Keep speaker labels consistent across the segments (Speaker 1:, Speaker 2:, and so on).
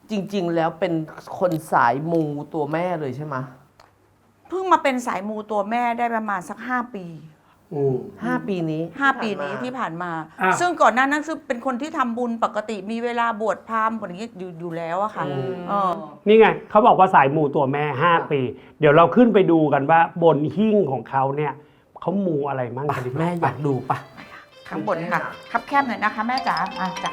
Speaker 1: จริงๆแล้วเป็นคนสายมูตัวแม่เลยใช่ไหม
Speaker 2: เพิ่งมาเป็นสายมูตัวแม่ได้ประมาณสัก5 ปี
Speaker 1: 5 ปีนี้
Speaker 2: 5 ปีนี้ที่ผ่านมา ซึ่งก่อนหน้านั้นคือเป็นคนที่ทำบุญปกติมีเวลาบวชพราหมณ์อย่างนี้อยู่แล้วอะค่ะ
Speaker 3: นี่ไงเขาบอกว่าสายมูตัวแม่5 ปี เดี๋ยวเราขึ้นไปดูกันว่าบนหิ้งของเขาเนี่ยเขามูอะไรมั่งกันดี
Speaker 1: แม่อยากดูปะ
Speaker 2: ข้างบนค่ะคับแคบหน่อยนะคะแม่จ๋าจ้ะ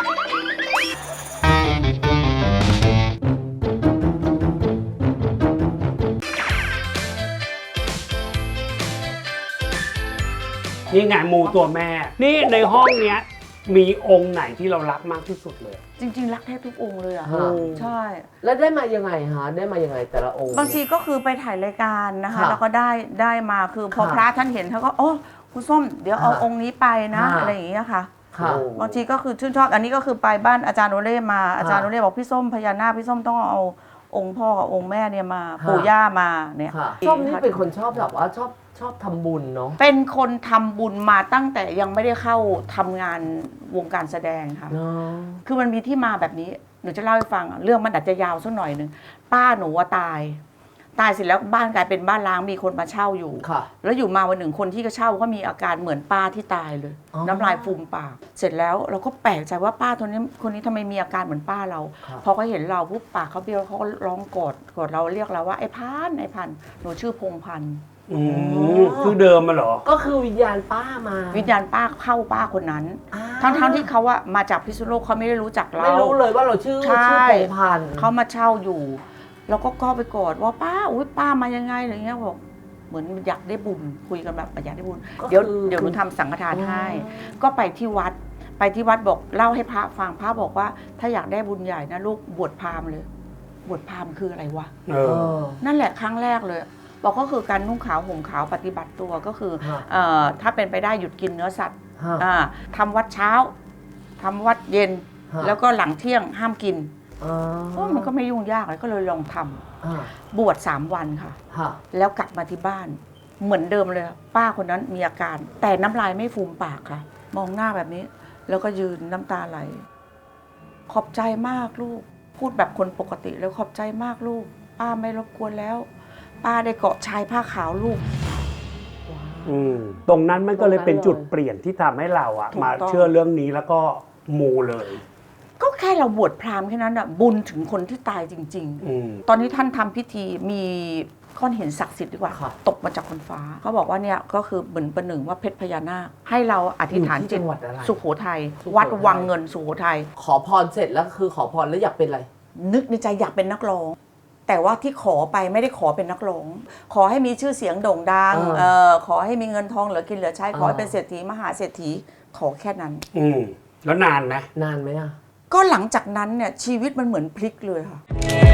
Speaker 3: นี่ไงมูตัวแม่ นี่ในห้องเนี้ยมีองค์ไหนที่เรารักมากที่สุดเลย
Speaker 2: จริงๆรักแทบทุกองค์เลยอะใช่
Speaker 1: แล้วได้มายังไงฮะได้มายังไงแต่ละองค์
Speaker 2: บางทีก็คือไปถ่ายรายการนะคะ
Speaker 1: ค่ะ
Speaker 2: แล้วก็ได้มาคือพอ
Speaker 1: ค่ะ
Speaker 2: พระท่านเห็นท่านก็โอ้คุณส้มเดี๋ยวเอา
Speaker 1: ค่ะ
Speaker 2: องค์นี้ไปนะ
Speaker 1: ค่ะ
Speaker 2: อะไรอย่างเงี้ยค่ะ
Speaker 1: ค่ะ
Speaker 2: บางทีก็คือชื่นชอบอันนี้ก็คือไปบ้านอาจารย์โอเล่มาอาจารย์โอเล่บอกพี่ส้มพญานาคพี่ส้มต้องเอาองค์พ่อกับองค์แม่เนี่ยมา
Speaker 1: ค่ะ
Speaker 2: ปู่ย่ามาเนี่ย
Speaker 1: ค่ะส้มนี่เป็นคนชอบแบบว่าชอบทำบุญเนาะ
Speaker 2: เป็นคนทำบุญมาตั้งแต่ยังไม่ได้เข้าทำงานวงการแสดงค่ะ
Speaker 1: เนาะ
Speaker 2: คือมันมีที่มาแบบนี้หนูจะเล่าให้ฟังเรื่องมันอาจจะยาวสักหน่อยหนึ่งป้าหนูว่าตายเสร็จแล้วบ้านกลายเป็นบ้านร้างมีคนมาเช่าอยู่
Speaker 1: ค่ะ
Speaker 2: แล้วอยู่มาวันหนึ่งคนที่ก็เช่าก็มีอาการเหมือนป้าที่ตายเลย
Speaker 1: อ๋อ
Speaker 2: น้ำลายฟูมปาก เสร็จแล้วเราก็แปลกใจว่าป้าคนนี้ทำไมมีอาการเหมือนป้าเรา พอเขาเห็นเราปุ๊บปากเขาเบี้ยวเขาก็ร้องกอดเราเรียกเราว่าไอ้พันหนูชื่อพงพันธุ์
Speaker 3: คือเดิมมาเหรอ
Speaker 1: ก็คือวิญญาณป้ามา
Speaker 2: วิญญาณป้าเข้าป้าคนนั้น ทั้งที่เขาอะมาจากพิษณุโลกเขาไม่ได้รู้จักเรา
Speaker 1: ไม่รู้เลยว่าเราชื่อ
Speaker 2: ใช่
Speaker 1: พงพันธุ์
Speaker 2: เขามาเช่าอยู่ แล้วก็เข้าไปกอดว่าป้าอุ้ยป้ามายังไงอะไรเงี้ยบอกเหมือนอยากได้บุญคุยกันแบบอยากได้บุญเดี๋ยวหนูทำสังฆทานให้ ก็ไปที่วัดบอกเล่าให้พระฟังพระบอกว่าถ้าอยากได้บุญใหญ่นะลูกบวชพราหมณ์เลย บวชพราหมณ์คืออะไรวะ
Speaker 3: เอ
Speaker 1: เอ
Speaker 3: อ
Speaker 1: อ
Speaker 2: นั่นแหละครั้งแรกเลย บอกก็คือการนุ่งขาวห่มขาวปฏิบัติตัวก็คือ
Speaker 1: ฮะ
Speaker 2: ถ้าเป็นไปได้หยุดกินเนื้อสัตว์
Speaker 1: ฮะ
Speaker 2: ทำวัดเช้าทำวัดเย็น
Speaker 1: ฮะ
Speaker 2: แล้วก็หลังเที่ยงห้ามกิน
Speaker 1: อ๋อ
Speaker 2: มันก็ไม่ยุ่งยากเลยก็เลยลองทำ
Speaker 1: อ่า
Speaker 2: บวช3 วันค่ะ
Speaker 1: ฮะ
Speaker 2: แล้วกลับมาที่บ้าน เหมือนเดิมเลย ป้าคนนั้นมีอาการ แต่น้ำลายไม่ฟูมปากค่ะ มองหน้าแบบนี้ แล้วก็ยืนน้ำตาไหล ขอบใจมากลูก พูดแบบคนปกติแล้วขอบใจมากลูก ป้าไม่รบกวนแล้ว ป้าได้เกาะชายผ้าขาวลูก
Speaker 3: ตรงนั้นมันก็เลยเป็นจุดเปลี่ยนที่ทำให้เราอะ
Speaker 2: ถูกต้อง
Speaker 3: มาเชื่อเรื่องนี้แล้วก็มูเลย
Speaker 2: ก็แค่เราบวชพราหมณ์แค่นั้นอะบุญถึงคนที่ตายจริง ๆ ตอนนี้ท่านทำพิธีมีก้อนหินศักดิ์สิทธิ์ดีกว่า
Speaker 1: ค่ะ
Speaker 2: ตกมาจากบนฟ้าเขาบอกว่าเนี่ยก็คือเหมือนประหนึ่งว่าเพชรพญานาคให้เราอธิษฐาน
Speaker 1: อยู่ที่
Speaker 2: จิต
Speaker 1: จังหวัดอะไร
Speaker 2: สุโขทัย
Speaker 1: สุโขทัย
Speaker 2: วัดวังเงินสุโขทัย
Speaker 1: ขอพรเสร็จแล้วคือขอพรแล้วอยากเป็นอะไร
Speaker 2: นึกในใจอยากเป็นนักร้อง แต่ว่าที่ขอไปไม่ได้ขอเป็นนักร้อง ขอให้มีชื่อเสียงโด่งดังขอให้มีเงินทองเหลือกินเหลือใช้ขอให้เป็นเศรษฐีมหาเศรษฐีขอแค่นั้น
Speaker 3: แล้วนานไหม
Speaker 1: นานไหมอ่ะ
Speaker 2: ก็หลังจากนั้นเนี่ยชีวิตมันเหมือนพลิกเลยค่ะ